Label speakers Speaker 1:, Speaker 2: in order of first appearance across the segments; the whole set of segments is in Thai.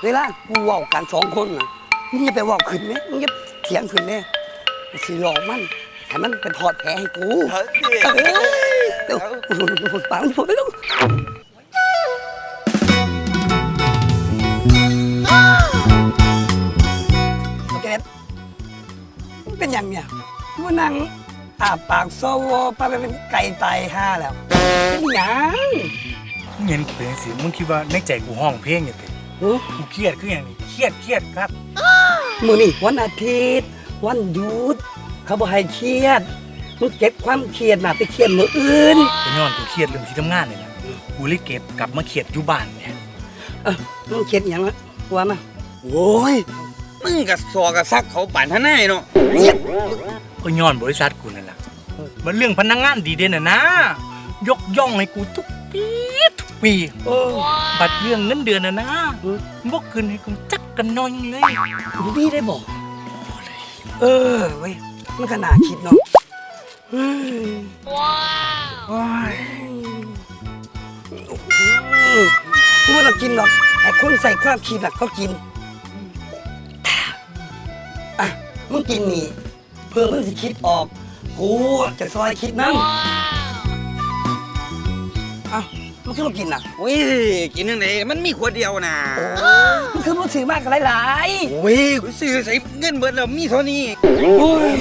Speaker 1: เวลากูเว้ากัน2 คนน่ะมึงอย่าไปเว้าขึ้นเนี่ยมึงอย่าเถียงขึ้นเนี่ยสิหลอกมันให้มันไปถอดแผลให้กูเดี๋ยวปังผมไม่รู้โอเคมันเป็นอย่างเนี่ยกูนั่งปากโซโวปาไปเป็นไก่ตายห่าแล้วเป็นอย่าง
Speaker 2: มึงเห็นกูเป็นสิมึงคิดว่าในใจกูห้องเพลงอย่างไรกูเครียดคืออย่างนี้เครียดครับ
Speaker 1: มื้อนี้วันอาทิตย์วันหยุดเขาบอกให้เครียดมึงเก็บความเครียดมาไปเครียดมื้ออื่น
Speaker 2: กูย้อนกูเครียดเรื่องที่ทำงานเนี่ยนะกูเลยเก็บกลับมาเครียดอยู่บ้านเนี่ย
Speaker 1: มึงเครียดหยังวะว่ามา
Speaker 3: โอ้ยมึงกับซอกับซักเขาปั่นท่าไหนเนาะ
Speaker 2: ก็ย้อนบริษัทกูนั่นแหละมันเรื่องพนักงานดีเด่นนะยกย่องให้กูทุกปี บัตรเรื่องเงินเดือนนะบอกคืนให้กูจักกันน้อยเลย
Speaker 1: พี่ได้บอกเว้ยมันก็น่าคิดเนาะว้าวกูไม่ต้องกินหรอกไอ้คนใส่ความคิดน่ะเขากินอ่ะมึงกินนี่เพื่อมึงสิคิดออกกูจะซอยคิดนั่งอ้าวมึงคือมากินน่ะ
Speaker 3: โอ้ยกินยังไงมันมีขวดเดียวนะ
Speaker 1: มึงคือมึงถือมากกันหลาย
Speaker 3: โอ้ยกูซื้อใส่เงินเบิดแล้วมีเท่านี้
Speaker 1: ๆโอ้ย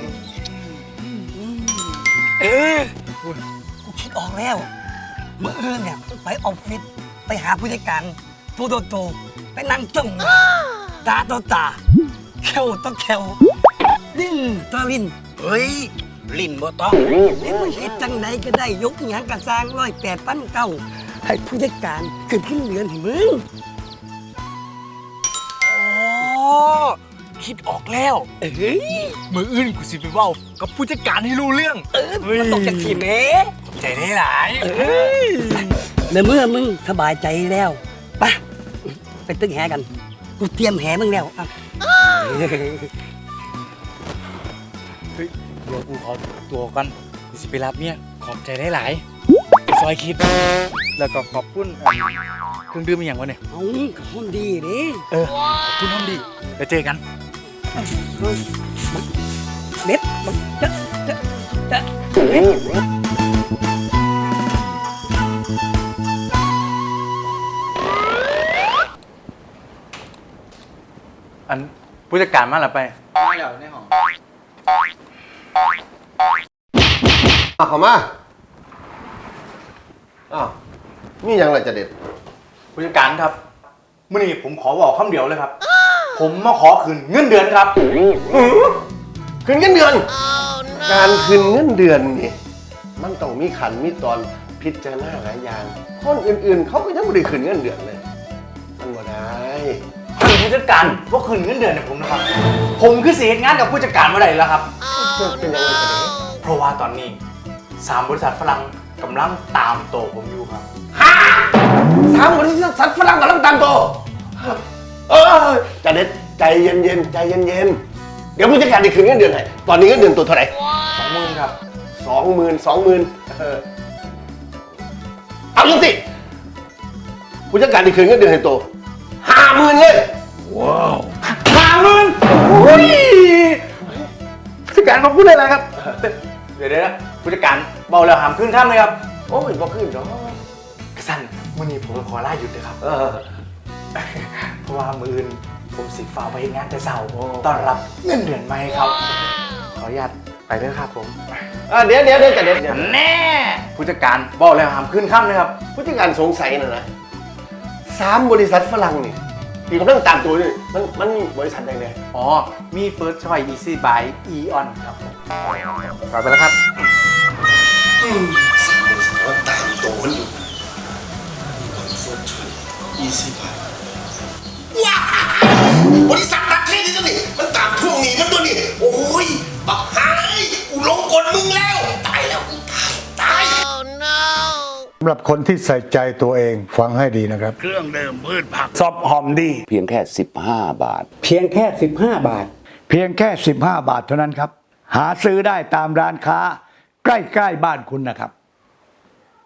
Speaker 1: กูคิดออกแล้วเมื่อคืนเนี่ยไปออฟฟิศไปหาผู้จัดการตัวโตๆไปนั่งจ้องตาต่อตาแควต่อแควลิ้นต่อลิ้น
Speaker 3: เฮ้ยลิ้นบ่ต้อง
Speaker 1: เอ้มึงเฮ็ดจังไดก็ได้ยกหยังกระสร้าง108,900ให้ผู้จัดการขึ้นเดือนให้มึง
Speaker 2: อ๋อคิดออกแล้วมืออื่นกูสิไปเว้ากับผู้จัดการให้รู้เรื่อง
Speaker 1: มันตกจากสีแม่
Speaker 2: ใจได้หลาย
Speaker 1: ในเมื่อมึงสบายใจแล้วไปตึกแหกันกูเตรียมแหมึงแล้วอ่ะ
Speaker 2: เฮ้ยเดี๋ยวกูขอตัวก่อนกูสิไปรับเนี่ยขอบใจได้หลายซอยคิด แล้วก็ขอบคุณเครื่องดื่มอหย่างวะเนี่ย
Speaker 1: เอากับคนดีดิ
Speaker 2: ขอบคุณน้องดีแล้วเจอกัน
Speaker 1: เด็ดมันจะเด็ด
Speaker 2: อันผู้จัดการมาหรือไป
Speaker 3: มาแล้วในห้อง
Speaker 4: เข้ามาอ้าวมีหยังไรจะเด็ด
Speaker 2: ผู้จัดการครับมื่อนี้ผมขอบอกคำเดียวเลยครับ ผมมาขอคืนเงินเดือนครับ
Speaker 4: คืนเงินเดือน การคืนเงินเดือนนี่มันต้องมีขันมีตอนพิจารณาหลายอย่าง คนอื่นๆ เขาก็ยังไม่ได้คืนเงินเดือนเลย มันบ่ได้
Speaker 2: ท่านผู้จัดการว่าคืนเงินเดือนให้ผมนะครับ ผมคือเสียงานกับผู้จัดการเมื่อไหร่แล้วครับ
Speaker 4: เป็นยังไงกันเนี่ย
Speaker 2: เพราะว่าตอนนี้3 บริษัทฝรั่งกำลังตามโตผมอยู่ครับ
Speaker 4: 3 บริษัทฝรั่งกำลังตามโตจะเด็ดใจเย็นๆใจเย็นๆเดี๋ยวผู้จัดการได้คืนเงินเดือนให้ตอนนี้เงินเดือนตัวเท่าไหร่
Speaker 2: 20,000ครับ
Speaker 4: 20,000เอาจังสิผู้จัดการได้คืนเงินเดือนให้โต50,000เลย
Speaker 2: 50,000โอ้ยผู้จัดการขอบคุณอะไรครับ เดี๋ยวนะผู้จัดการเบาแล้วหามขึ้นข้ามเลยครับ
Speaker 4: โอ้ยบ่ขึ้นดอก
Speaker 2: กระสันมื่อนี้ผมขอลาหยุดเลยครับ เพราะว่ามืออื่นผมสิฝ่าไปงานแต่เช้าต้อนรับเงินเดือนใหม่ครับ ขออนุญาตไปเลยครับผม
Speaker 4: เดี๋ยวจะเด็ด
Speaker 2: แน่ผู้จัดการบอกแล้วหามขึ้นข้ามเลยครับ
Speaker 4: ผู้จัดการสงสัยนะ3 บริษัทฝรั่งนี่ที่กำลังตามตัวนี่มันมีบริษัทใดเนี่ย
Speaker 2: อ๋อ มี First Choice Easy by Eon ครับผมขอไปแล้วครับ
Speaker 4: ตามตัวมันอยู่20 บาทว้าบริษัทนักเทศนี่นี่มันตามทวงหนี้มันตัวนี้โอ้ยบักหายกูลงกลมึงแล้วตายแล้วกูตาย
Speaker 5: สำหรับคนที่ใส่ใจตัวเองฟังให้ดีนะครับ
Speaker 2: เครื่องเดิมพืชผัก
Speaker 1: ซอบหอมดี
Speaker 6: เพียงแค่15 บาท
Speaker 1: เพียงแค่15 บาท
Speaker 5: เพียงแค่15 บาทเท่านั้นครับ หาซื้อได้ตามร้านค้า ใกล้ๆบ้านคุณนะครับ